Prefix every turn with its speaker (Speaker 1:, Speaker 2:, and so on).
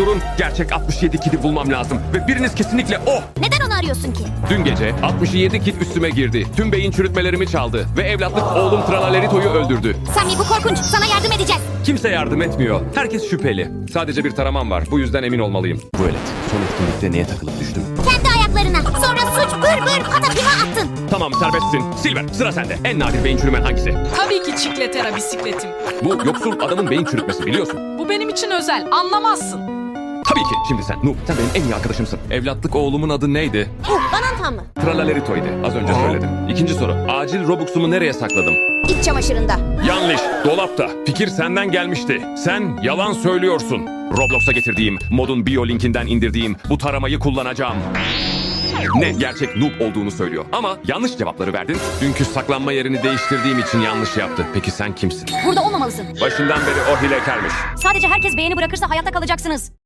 Speaker 1: durun. Gerçek 67 kidi bulmam lazım. Ve biriniz kesinlikle o.
Speaker 2: Neden onu arıyorsun ki?
Speaker 1: Dün gece 67 kid üstüme girdi. Tüm beyin çürütmelerimi çaldı. Ve evlatlık oğlum Tralalerito'yu öldürdü.
Speaker 2: Sammy bu korkunç. Sana yardım edeceğiz.
Speaker 1: Kimse yardım etmiyor. Herkes şüpheli. Sadece bir taramam var. Bu yüzden emin olmalıyım. Vuelet, son etkinlikte neye takılıp düştüm?
Speaker 2: Kendi ayaklarına. Sonra suç bır bır patapima attın.
Speaker 1: Tamam, serbestsin. Silver, sıra sende. En nadir beyin çürümen hangisi?
Speaker 3: Tabii ki Çikletera bisikletim.
Speaker 1: Bu yoksul adamın beyin çürütmesi, biliyorsun.
Speaker 3: Bu benim için özel, anlamazsın.
Speaker 1: Tabii ki. Şimdi sen. Noob, sen benim en iyi arkadaşımsın. Evlatlık oğlumun adı neydi?
Speaker 2: Banantan mı?
Speaker 1: Tralalerito'ydu. Az önce söyledim. İkinci soru. Acil Robux'umu nereye sakladım?
Speaker 2: İç çamaşırında.
Speaker 1: Yanlış. Dolapta. Fikir senden gelmişti. Sen yalan söylüyorsun. Roblox'a getirdiğim, modun bio linkinden indirdiğim bu taramayı kullanacağım. Ne gerçek noob olduğunu söylüyor. Ama yanlış cevapları verdin. Dünkü saklanma yerini değiştirdiğim için yanlış yaptı. Peki sen kimsin?
Speaker 2: Burada olmamalısın.
Speaker 1: Başından beri o hilekarmış.
Speaker 2: Sadece herkes beğeni bırakırsa hayatta kalacaksınız.